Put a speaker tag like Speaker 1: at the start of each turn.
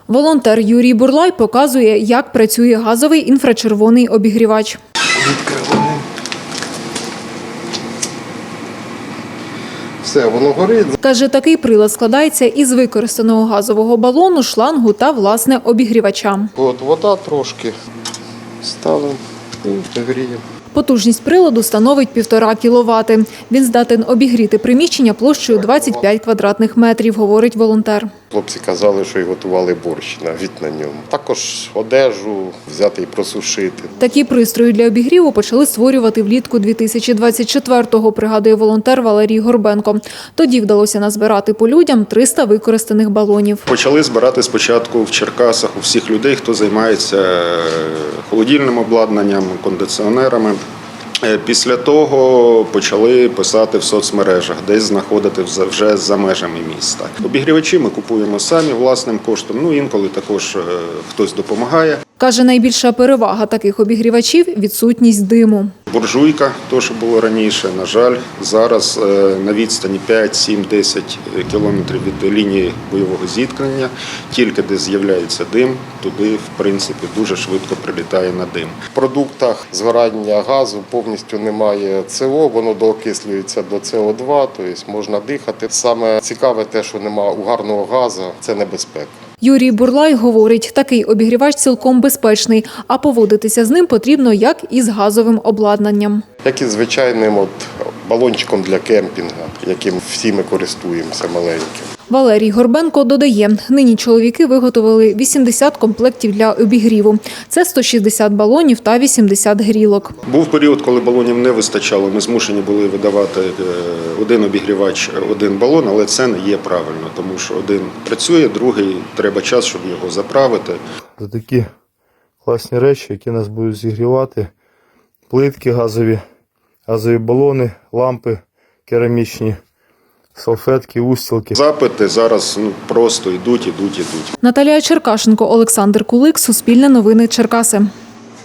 Speaker 1: Волонтер Юрій Бурлай показує, як працює газовий інфрачервоний обігрівач.
Speaker 2: Відкриваємо. Все, воно горить.
Speaker 1: Каже, такий прилад складається із використаного газового балону, шлангу та, власне, обігрівача.
Speaker 2: От вода трошки ставимо і гріємо.
Speaker 1: Потужність приладу становить 1,5 кВт. Він здатен обігріти приміщення площею 25 квадратних метрів, говорить волонтер.
Speaker 2: Хлопці казали, що й готували борщ навіть на ньому. Також одежу взяти і просушити.
Speaker 1: Такі пристрої для обігріву почали створювати влітку 2024-го, пригадує волонтер Валерій Горбенко. Тоді вдалося назбирати по людям 300 використаних балонів.
Speaker 3: Почали збирати спочатку в Черкасах у всіх людей, хто займається холодильним обладнанням, кондиціонерами. Після того почали писати в соцмережах, десь знаходити вже за межами міста. Обігрівачі ми купуємо самі власним коштом, інколи також хтось допомагає.
Speaker 1: Каже, найбільша перевага таких обігрівачів – відсутність диму.
Speaker 3: Буржуйка, то, що було раніше, на жаль, зараз на відстані 5, 7, 10 кілометрів від лінії бойового зіткнення, тільки де з'являється дим, туди, в принципі, дуже швидко прилітає на дим.
Speaker 2: В продуктах згорання газу повністю немає СО, воно доокислюється до СО2, тобто можна дихати. Саме цікаве те, що немає угарного газу, це небезпека.
Speaker 1: Юрій Бурлай говорить, такий обігрівач цілком безпечний, а поводитися з ним потрібно як із газовим обладнанням.
Speaker 2: Як і звичайним балончиком для кемпінгу, яким всі ми користуємося маленьким.
Speaker 1: Валерій Горбенко додає, нині чоловіки виготовили 80 комплектів для обігріву. Це 160 балонів та 80 грілок.
Speaker 3: Був період, коли балонів не вистачало, ми змушені були видавати один обігрівач, один балон, але це не є правильно, тому що один працює, другий треба час, щоб його заправити.
Speaker 4: Це такі класні речі, які нас будуть зігрівати. Плитки газові балони, лампи керамічні, салфетки, устілки.
Speaker 3: Запити зараз просто йдуть.
Speaker 1: Наталія Черкашенко, Олександр Кулик, Суспільне новини, Черкаси.